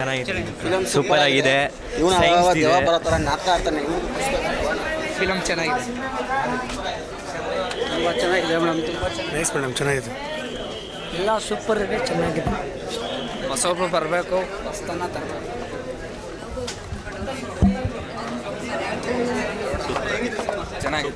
ಚೆನ್ನಾಗಿದೆ, ಸೂಪರ್ ಆಗಿದೆ. ಫಿಲಮ್ ಚೆನ್ನಾಗಿದೆ, ತುಂಬ ಚೆನ್ನಾಗಿದೆ ಮೇಡಮ್. ನೈಸ್ ಮೇಡಮ್, ಚೆನ್ನಾಗಿದೆ. ಎಲ್ಲ ಸೂಪರ್ ಇದೆ, ಚೆನ್ನಾಗಿದೆ. ಹೊಸೊಬ್ರು ಬರಬೇಕು, ಹೊಸತನ ತರಬೇಕು. ಚೆನ್ನಾಗಿದೆ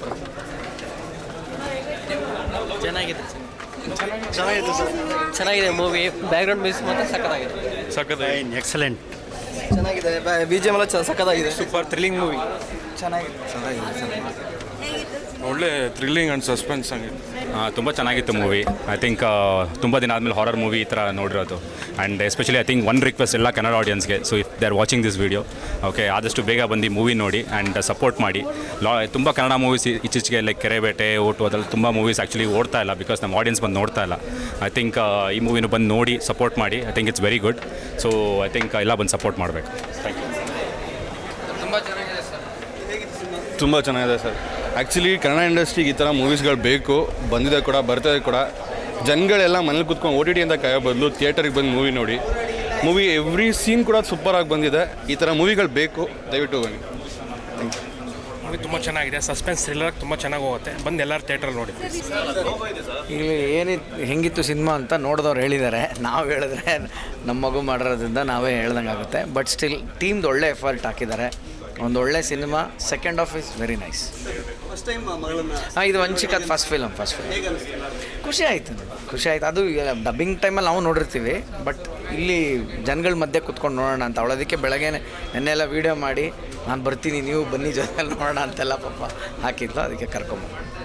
ಚೆನ್ನಾಗಿದೆ ಚೆನ್ನಾಗಿದೆ ಮೂವಿ. ಬ್ಯಾಕ್ಗ್ರೌಂಡ್ ಮ್ಯೂಸಿಕ್ ಮಾತ್ರ ಸಕ್ಕತ್ತಾಗಿದೆ. ಎಕ್ಸಲೆಂಟ್. ಚೆನ್ನಾಗಿದೆ, ಬಿ ಜಿ ಎಮ್ ಎಲ್ಲ ಸಕ್ಕತ್ತಾಗಿದೆ. Super thrilling movie. ಚೆನ್ನಾಗಿದೆ. ಒಳ್ಳೆ ಥ್ರಿಲ್ಲಿಂಗ್ ಆ್ಯಂಡ್ ಸಸ್ಪೆನ್ಸ್ ಆಗಿದೆ. ತುಂಬ ಚೆನ್ನಾಗಿತ್ತು ಮೂವಿ. ಐ ಥಿಂಕ್ ತುಂಬ ದಿನ ಆದಮೇಲೆ ಹಾರರ್ ಮೂವಿ ಈ ಥರ ನೋಡಿರೋದು. And especially I think one request ಎಲ್ಲ ಕನ್ನಡ ಆಡಿಯನ್ಸ್ಗೆ, so if they are watching this video, okay, ಆದಷ್ಟು ಬೇಗ ಬಂದು ಮೂವಿ ನೋಡಿ ಆ್ಯಂಡ್ ಸಪೋರ್ಟ್ ಮಾಡಿ. ತುಂಬ ಕನ್ನಡ ಮೂವೀಸ್ ಇತ್ತೀಚೆಗೆ ಲೈಕ್ ಕೆರೆಬೇಟೆ, ಓಟು, ಅದರಲ್ಲಿ ತುಂಬ ಮೂವೀಸ್ ಆ್ಯಕ್ಚುಲಿ ಓಡ್ತಾ ಇಲ್ಲ ಬಿಕಾಸ್ ನಮ್ಮ ಆಡಿಯನ್ಸ್ ಬಂದು ನೋಡ್ತಾ ಇಲ್ಲ. ಐ ಥಿಂಕ್ ಈ ಮೂವಿನೂ ಬಂದು ನೋಡಿ ಸಪೋರ್ಟ್ ಮಾಡಿ. I think it's very good. So I think ಎಲ್ಲ ಬಂದು ಸಪೋರ್ಟ್ ಮಾಡಬೇಕು. Thank you. ತುಂಬ ಚೆನ್ನಾಗಿದೆ ಸರ್. ಆ್ಯಕ್ಚುಲಿ ಕನ್ನಡ ಇಂಡಸ್ಟ್ರಿಗೆ ಈ ಥರ ಮೂವೀಸ್ಗಳು ಬೇಕು, ಬಂದಿದೆ ಕೂಡ, ಬರ್ತದೆ ಕೂಡ. ಜನಗಳೆಲ್ಲ ಮನೇಲಿ ಕೂತ್ಕೊಂಡು OTT ಅಂತ ಕಾಯೋ ಬದಲು ಥಿಯೇಟರಿಗೆ ಬಂದು ಮೂವಿ ನೋಡಿ. ಮೂವಿ ಎವ್ರಿ ಸೀನ್ ಕೂಡ ಸೂಪರಾಗಿ ಬಂದಿದೆ. ಈ ಥರ ಮೂವಿಗಳು ಬೇಕು, ದಯವಿಟ್ಟು ಬನ್ನಿ. ಮೂವಿ ತುಂಬ ಚೆನ್ನಾಗಿದೆ, ಸಸ್ಪೆನ್ಸ್ ಥ್ರಿಲ್ಲರ್ ತುಂಬ ಚೆನ್ನಾಗಿ ಹೋಗುತ್ತೆ. ಬಂದು ಎಲ್ಲರೂ ಥಿಯೇಟ್ರಲ್ಲಿ ನೋಡಿ. ಇಲ್ಲಿ ಹೆಂಗಿತ್ತು ಸಿನಿಮಾ ಅಂತ ನೋಡಿದವ್ರು ಹೇಳಿದ್ದಾರೆ. ನಾವು ಹೇಳಿದ್ರೆ ನಮ್ಮ ಮಗು ಮಾಡಿರೋದ್ರಿಂದ ನಾವೇ ಹೇಳ್ದಂಗೆ ಆಗುತ್ತೆ. ಬಟ್ ಸ್ಟಿಲ್ ಟೀಮ್ದು ಒಳ್ಳೆ ಎಫರ್ಟ್ ಹಾಕಿದ್ದಾರೆ. ಒಂದು ಒಳ್ಳೆ ಸಿನಿಮಾ. Second half is very nice. ಇದು ವಂಚಿಕದ ಫಸ್ಟ್ ಫಿಲಮ್. ಖುಷಿ ಆಯಿತು. ಅದು ಡಬ್ಬಿಂಗ್ ಟೈಮಲ್ಲಿ ನಾವು ನೋಡಿರ್ತೀವಿ, ಬಟ್ ಇಲ್ಲಿ ಜನಗಳ ಮಧ್ಯೆ ಕುತ್ಕೊಂಡು ನೋಡೋಣ ಅಂತ ಅವಳೋದಕ್ಕೆ ಬೆಳಗ್ಗೆ ನೆನ್ನೆಲ್ಲ ವೀಡಿಯೋ ಮಾಡಿ ನಾನು ಬರ್ತೀನಿ, ನೀವು ಬನ್ನಿ ಜೊತೆಯಲ್ಲಿ ನೋಡೋಣ ಅಂತೆಲ್ಲ ಪಾಪ ಹಾಕಿದ್ಲು. ಅದಕ್ಕೆ ಕರ್ಕೊಂಬ